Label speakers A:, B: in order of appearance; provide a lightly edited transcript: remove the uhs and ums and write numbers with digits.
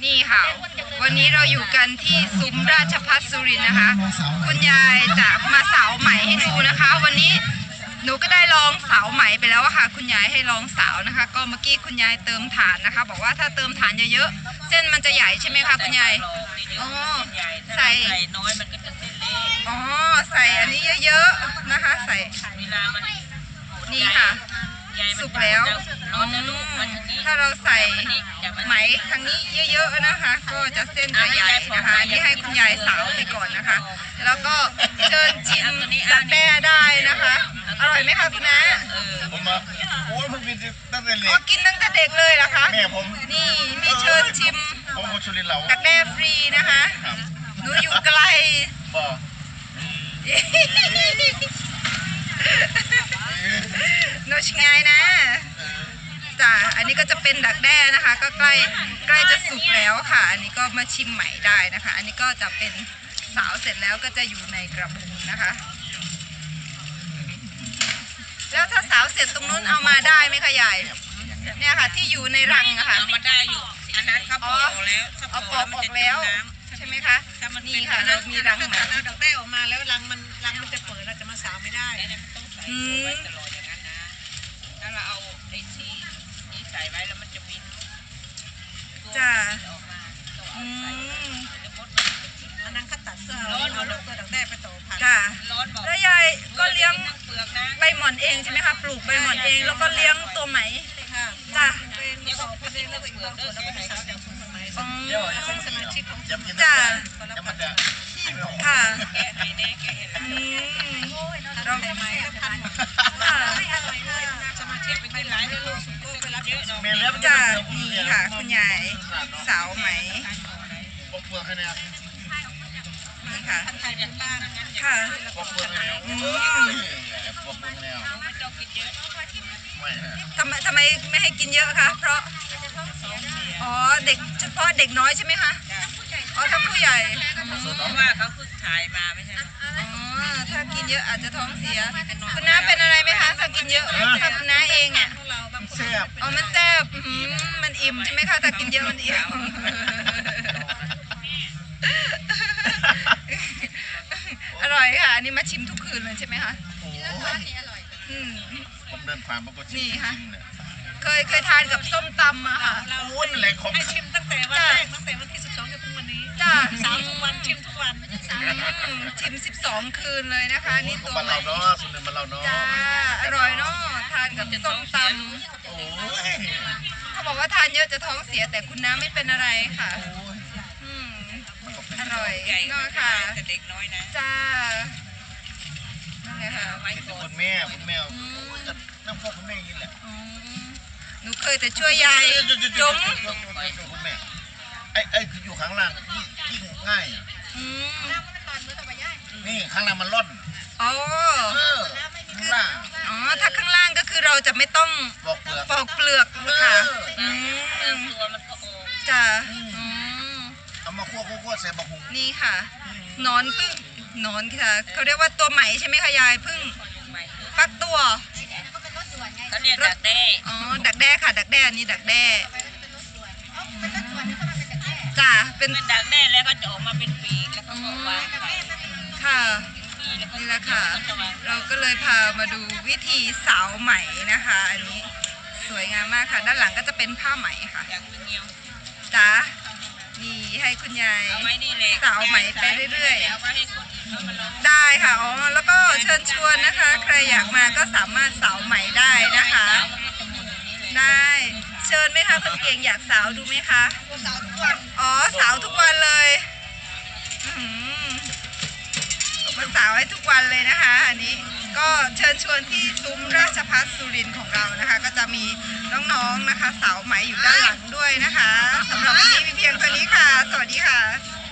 A: นี่ค่ะวันนี้เราอยู่กันที่ซุ้มราชภัฏสุรินทร์นะคะคุณยายจะมาเสาไหมให้ดูนะคะ วันนี้หนูก็ได้ลองเสาไหมไปแล้วค่ะคุณยายให้ลองเสานะคะ ก็เมื่อกี้คุณยายเติมฐานนะคะบอกว่าถ้าเติมฐานเยอะๆเส้นมันจะใหญ่ใช่ไหมคะคุณยายอ๋อใส่
B: น้อยมันก็จะเส้นเล็ก
A: อ๋อใส่อันนี้เยอะๆนะคะใส่
B: เวลามัน
A: นี่ค่ะสุกแล้วถ้าเราใส่ไหมทางนี้เยอะๆนะคะก็จะเส้นจะใหญ่นะคะนี่ให้คุณยายสาวไปก่อนนะคะแล้วก็เชิญชิมดักแด้ได้นะคะอร่อยไหมคะคุณน้า
C: ผมมาโอ้ผมกินตั้งแต่เล็ก
A: กินตั้งแต่เด็กเลยเหรอคะ
C: แม่ผม
A: นี่มีเชิญชิม
C: ผมคนสุรินทร์เรา
A: ดักแด้ฟรีนะคะหนูอยู่ไกล
C: บ่
A: โนชงายนะจ้ะอันนี้ก็จะเป็นดักแด้นะคะก็ใกล้จะสุกแล้วค่ะอันนี้ก็มาชิมใหม่ได้นะคะอันนี้ก็จะเป็นสาวเสร็จแล้วก็จะอยู่ในกระบุงนะคะแล้วถ้าสาวเสร็จตรงนู้นเอามาได้ไหมคะยายเนี่ยค่ะที่อยู่ในรังอะค่ะ
B: เอามาได้อยู่อันนั้นเขาปอกแล้ว
A: เอาปอกออกแล้วใช่ไหมคะนี่ค่ะเรามีรังหมา
B: แล้วดักแด้ออกมาแล้วรังมันจะเปิดเราจะมาสาวไม่ได้ต้องใส่ไว้ตลอดอย่างนั้นนะถ้าเราเอาไอ้ที่นี้ใส่ไว้แล้วมันจะบิน
A: จ้า
B: อันนั้นเขาตัดเสื้อเอาตัวดักแด้ไปต่อพัน
A: จ้าแล้วยายก็เลี้ยงใบหม่อนเองใช่ไหมคะปลูกใบหม่อนเองแล้วก็เลี้ยงตัวไหมจ้า
C: สมาชิกของ
A: จ้าค่ะเรา
B: ไหมก็พันสมาชิกเป็นหลายเลยลูกก็ไปรับเยอะ
A: จ้านี่ค่ะคุณยายสาวไหมนี่ค่ะค่ะทำไมไม่ให้กินเยอะคะเพราะอ๋อเด็กเฉพาะเด็กน้อยใช่ไหมคะอ๋อทั้งผู้ใหญ่
B: เพราะว่าเขาเพิ่งถ่ายมาไม่ใช่
A: อ๋อถ้ากินเยอะอาจจะท้องเสียคุณน้าเป็นอะไรไหมคะถ้ากินเยอะถ้าคุณน้าเองอ่ะ
C: แซ่บ
A: อ๋อมันแซ่บมันอิ่มใช่ไหมคะถ้ากินเยอะมันอิ่มอร่อยค่ะอันนี้มาชิมทุกคืนเลยใช่ไหมคะ
C: ผมเดินผ่านมันก็ชิมเนี่ย
A: เคยทานกับส้มตำมาค่ะ
C: วุ้นอะไรของ
B: ชิมตั้งแต่วันแรกตั้งแต่วันที่12จนถึงวันนี้
A: จ้า
B: 3 ทุกวันชิมทุกวัน
A: ชิม12 คืนเลยนะคะนี่ตัว
C: มันเราเนาะสุดเลยมันเราเนาะ
A: จ้าอร่อยเนาะทานกับส้มตำเขาบอกว่าทานเยอะจะท้องเสียแต่คุณน้าไม่เป็นอะไรค่ะอร่อยเนาะค่ะ
B: เด็กน้อยนะ
A: จ้านั่นแหละค่ะ
C: คุณแม่น้ำพวกคุณแม่ยินแหละ
A: หนูเคยแต่ช่วยยายจม
C: คุณแม่ไอ้คืออยู่ข้างล่างยิ่งง่ายนี่ข้างล่างมันร่อน
A: อ๋อ
C: ข้างล่าง
A: อ๋อถ้าข้างล่างก็คือเราจะไม่ต้องปอกเปลือกค่ะจ้า
C: เอามาคั่วใส่บะหุง
A: นี่ค่ะนอนพึ่งนอนค่ะเขาเรียกว่าตัวไหมใช่ไหมคะยายพึ่งฟักตัว
B: เขาเรียกดักแด้
A: อ๋อดักแด้ค่ะดักแด้นี่ดักแด้จ้าเป็น
B: ดักแด้แล้วก็จะออกมาเป็นปีกแล้วก็วาง
A: ค่ะนี่แหละค่ะเราก็เลยพามาดูวิธีสาวไหมนะคะอันนี้สวยงามมากค่ะด้านหลังก็จะเป็นผ้าไหมค่ะจ้านี่ให้คุณยายสาวไหมไปเรื่อยๆได้ค่ะอ๋อแล้วก็เชิญชวนนะคะใครอยากมาก็สามารถสาวไหมได้นะคะได้เชิญไหมคะคนเก่งอยากสาวดูไหมคะอ๋อสาวทุกวันเลยมันสาวให้ทุกวันเลยนะคะอันนี้ก็เชิญชวนที่ซุ้มราชภัฏสุรินทร์ของเรานะคะก็จะมีน้องๆนะคะสาวไหมอยู่ด้านหลังด้วยนะคะสำหรับวันนี้มีเพียงเท่านี้ค่ะสวัสดีค่ะ